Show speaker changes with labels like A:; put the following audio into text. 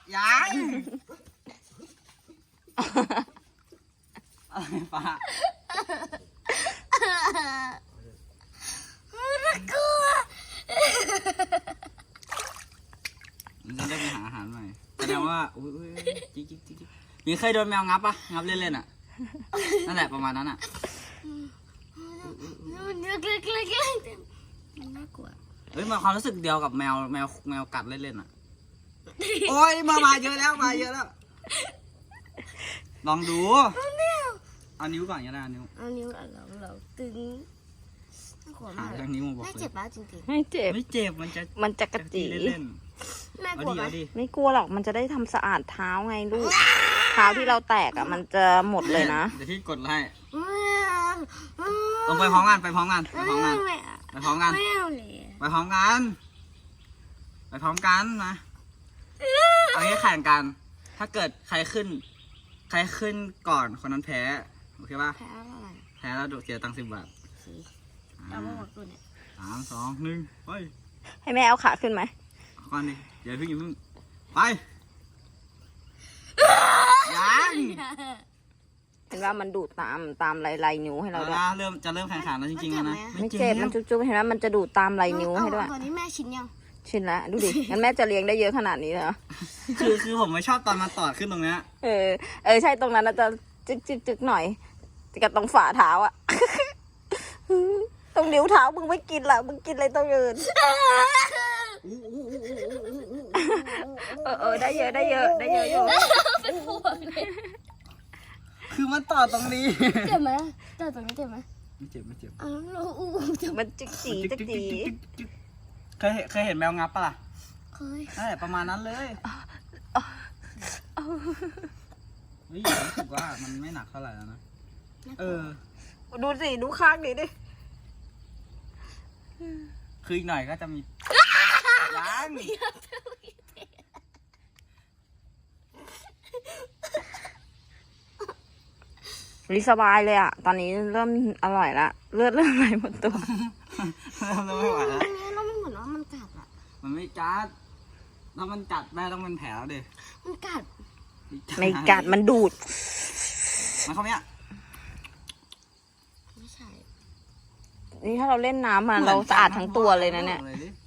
A: ยังอะไรป้า
B: น่ากลัว
A: มันจะได้ไปหาอาหารใหม่แสดงว่าอุ้ยจิ๊กมีเคยโดนแมวงับปะงับเล่นๆอ่ะนั่นแหละประมาณนั้นอ่ะ
B: มันเล็กๆมันน่ากลัว
A: เฮ้ยมาความรู้สึกเดียวกับแมวกัดเล่นๆอ่ะโอ้ยมาเยอะแล้วลองดูเอานิ้วก่อนก็ได้นิ้ว
B: เอานิ้วเราตึงน่ากลัวมาก
A: ทางนิ้วมาบอก
B: แม่
A: เลย
B: เจ็บปะจริง
C: ไม่เจ็บ
A: ไม่เจ็บมันจะ
C: กระจี
A: เล่น
B: ๆแม่
A: ๆ
B: กลัวไหม
A: เอาดิ
C: ไม่กลัวหรอกมันจะได้ทำสะอาดเท้าไงลูก เท้าที่เราแตกอ่ะมันจะหมดเลยนะ
A: เดี๋ยวพี่กดไล่ลงไปพร้อมกันไปพร้อมกันนะ
B: ไม่เอาเลย
A: ไปพร้อมกันนะเอางี้แข่งกัน ถ้าเกิดใครขึ้นก่อนคนนั้นแพ้โอเคป่ะ
B: แพ้อะไร
A: แพ้แล้วเสียตังค์10 บาท
B: เราไม่หมดตัวเนี่ย
A: 3 2 1ไป
C: ให้แม่เอาขาขึ้นไหม
A: ก่อนดิอย่าเพิ่งไปยัง
C: เห็นว่ามันดูดตามลายนิ้วให้เราด้วย
A: จะเริ่มแข่งขันแล้วจริงๆแล้วนะ
C: ไม่เจ็บมันจุ๊บๆเห็นว่ามันจะดูดตามลายนิ้วให้ด้วย
B: ตอนนี้แม่ชินยัง
C: ชินละดูดิงั้นแม่จะเลี้ยงได้เยอะขนาดนี้เหรอ
A: คือผมไม่ชอบตอนมันตอดขึ้นตรงเนี้ย
C: เออใช่ตรงนั้นน่ะจะจึกหน่อยกับตรงฝ่าเท้าอะ ตรงนิ้วเท้ามึงไม่กินละมึงกินอะไรตรงอื่นได้เยอะอยู่
B: เป็นห่วงเลย
A: คือมันตอดตรงนี้
B: เจ็บไหมเจ็บตรงนี้เจ็บไหม
A: ไม่เจ็บ
B: อ้าวเราเจ็บ
C: มันจิกจีจิกจี
A: เคยเห็นแมวงับปะล่ะ
B: เคย
A: นั่นแหละประมาณนั้นเลยเฮ้ยรู้สึกว่ามันไม่หนักเท่าไหร่แล้วนะ
C: ดูสิดูข้างนี้ดิ
A: คืออีกหน่อยก็จะมียัง
C: สบายเลยอะตอนนี้เริ่มอร่อยละเลือดเริ่มไหลหมดตัว
A: เริ่มไม่ไหวแล้ว
B: อันนี้เราไม่เหมือนว่ามันกัดอ่ะ
A: มันไม่กัดถ้ามันกัดแม่ต้องเป็นแผลแล้วดิ
B: มันกัด
C: ไม่กัดมันดูด
A: มันเข้าเนี้ย
B: ไม่ใช่
C: นี่ถ้าเราเล่นน้ำมาเราสะอาดทั้งตัวเลยนะเนี่ย
A: ลดิ